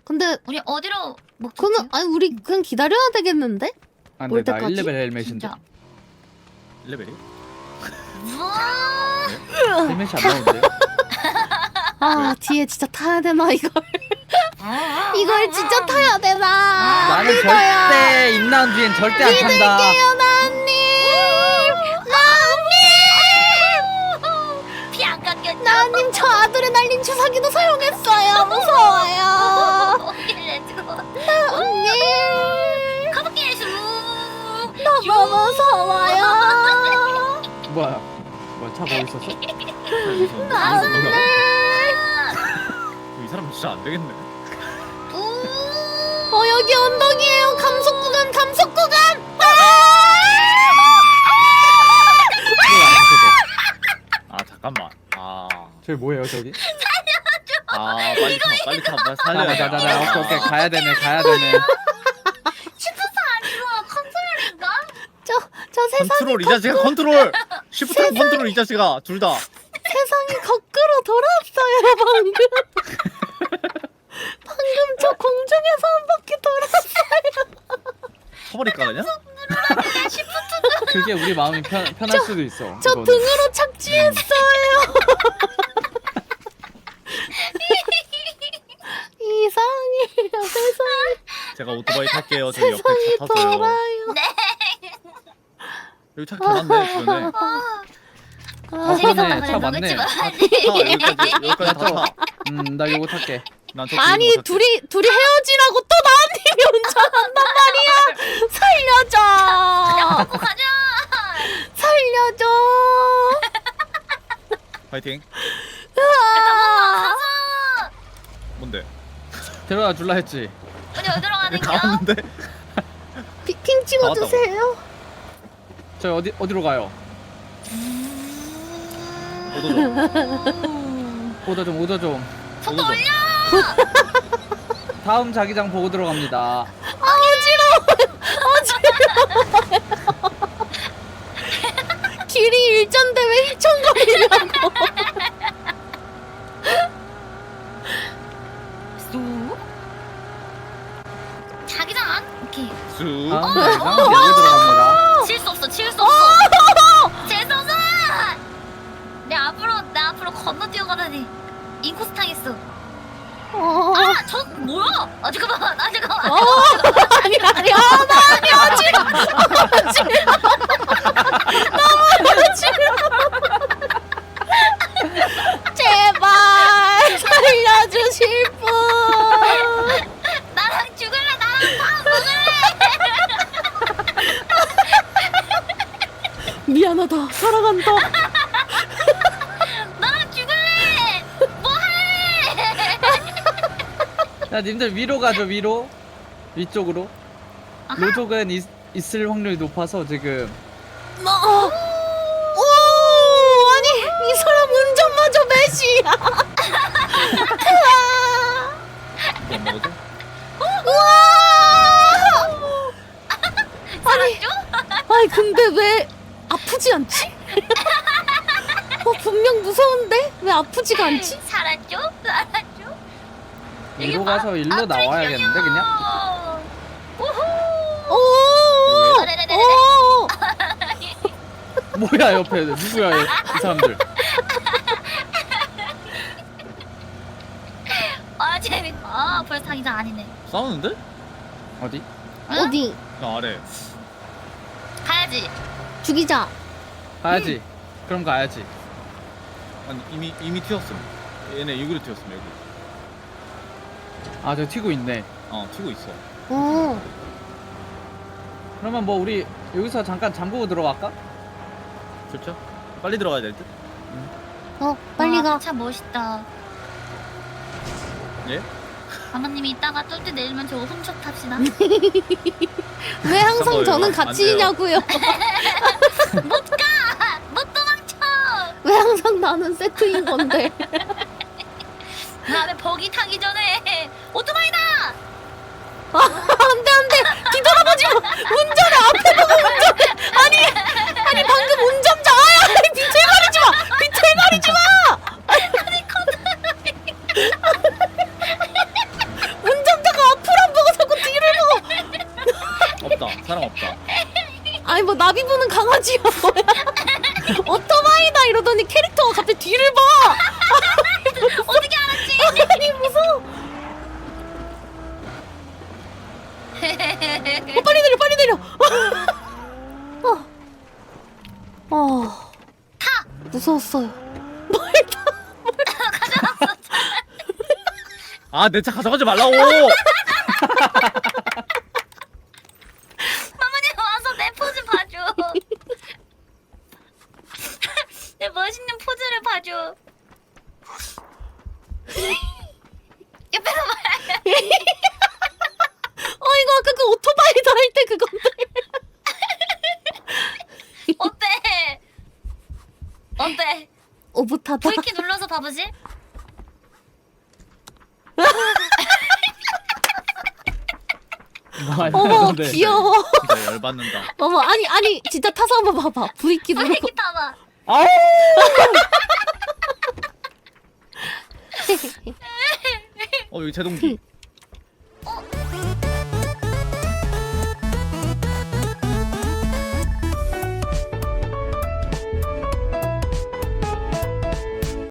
근데 우리 어디로 먹지? 그는 아니 우리 그냥 기다려야 되겠는데? 아 올 근데 나 때까지? 1레벨 헬멧인데. 진짜. 1레벨이? 우와. 헬멧이 안 나오는데. 아 뒤에 진짜 타야 되나 이걸? 이걸 진짜 타야 되나? 나는 믿어요. 절대 임나온 뒤엔 절대 안 탄다. 믿을게요 나님. 피 안 깎였죠? 나님 저 아드레날린 주사기도 사용했어요. 무서워요. 렛츠고. 나님 가볼게 수. 너무 무서워요. 뭐야? 뭐야 차 거기 있었어? 나님. 이 사람 진짜 안 되겠네. 여기 언덕이에요. 감속 구간 감속 구간. 아 잠깐만. 아, 저기 뭐예요 저기? 빨리 타, 빨리 타, 빨리 살려야 돼. 자자자자 오케이 가야 되네 가야 되네. 슈퍼사 아니고 컨트롤인가? 저 세상이 컨트롤 이 자식아 컨트롤. 시프트 컨트롤 이 자식아 둘 다. 세상이 거꾸로 돌았어요 방금. 방금 저 공중에서 한 바퀴 돌았어요. 쳐버릴까 그냥? 그게 우리 마음이 편할 수도 있어. 저 이거는. 등으로 착지했어요. 이상해요 세상이. 제가 오토바이 탈게요. 저기 옆에 세상이 차 타서요. 돌아요. 네. 여기 차 개많네 주변에. 아 재밌었다 그러네 차 그래도 많네. 그치? 여기까지 다 타. 나 이거 탈게. 난 저 아니 뒤로 둘이 헤어지라고 또 나님이 운전한단 말이야. 살려줘. 먹고 가자. 살려줘. 파이팅. 으아. 뭔데? 데려다 줄라 했지. 우리 어디로 가는 다 거야? 왔는데? 핑 찍어주세요. 저 어디로 가요? 오더 좀. 속도 올려. 다음 자기장 보고 들어갑니다. 아 어지러워. 길이 일전데 왜 휘청거리냐고. 쑥. 자기장. 오케이. 쑥. 다음 자기장 보고 들어갑니다. 칠 수 없어. 칠 수 없어. 재성아. 나 앞으로 건너 뛰어가다니. 인코스 당했어. 아, 저 뭐야? 아 잠깐만. 아니 아니 어지러워. 너무 어지러워. 제발 살려주실 분. 나랑 죽을래. 나랑 밥 먹을래. 미안하다. 사랑한다. 나랑 죽을래. 뭐해? 야 님들 위로 가죠 위로. 위쪽으로. 아하. 로족은 있을 확률이 높아서 지금. 오 아니 이 사람 운전마저 매시야. 뭐 먹어도? 우와. 살았죠? 아니 근데 왜 아프지 않지? 분명 무서운데 왜 아프지가 않지? 살았죠? 살았죠? 위로 가서 일로 나와야겠는데 그냥. 오. 오. 뭐야 옆에 누구야 이 사람들. 아 재밌다. 아 벌써 자기장 아니네. 싸우는데? 어디? 어디? 나 아래. 가야지. 죽이자. 가야지. 그럼 가야지. 아니 이미 튀었음. 얘네 여기로 튀었음 여기. 아 저 튀고 있네. 튀고 있어. 어. 그러면 뭐 우리 여기서 잠깐 잠그고 들어갈까? 좋죠? 빨리 들어가야 될 듯? 빨리 가. 참 멋있다. 예? 아마님이 이따가 뚫때 내리면 저거 훔쳐 탑시다. 왜 항상 거예요. 저는 안 같이 돼요. 있냐고요? 못 도망쳐. 왜 항상 나는 세트인 건데? 다음에 버기 타기 전에 오토바이다. 안돼 뒤돌아보지 마. 운전해 앞에 보고 운전해. 아니 방금 운전자 아야 비틀거리지 마. 비틀거리지 마. 운전자 사람 없다. 아니 뭐 나비 부는 강아지야 뭐야? 오토바이다 이러더니 캐릭터가 갑자기 뒤를 봐. 어떻게 알았지? 아니 무서워. 빨리 내려 빨리 내려. 타! 무서웠어요. 아, 내 차 가져가지 말라고. 마마님 와서 내 포즈 봐줘. 내 멋있는 포즈를 봐줘. 옆에서 봐. 이거 아까 그 오토바이다 할 때 그건데. 어때? 어때? 오붓하다. V키 눌러서 봐보지. 어머 근데 귀여워. 진짜 열받는다. 어머 아니 진짜 타서 한번 봐봐. 브레이크 누르고. V키 타봐. 아우 여기 제동기.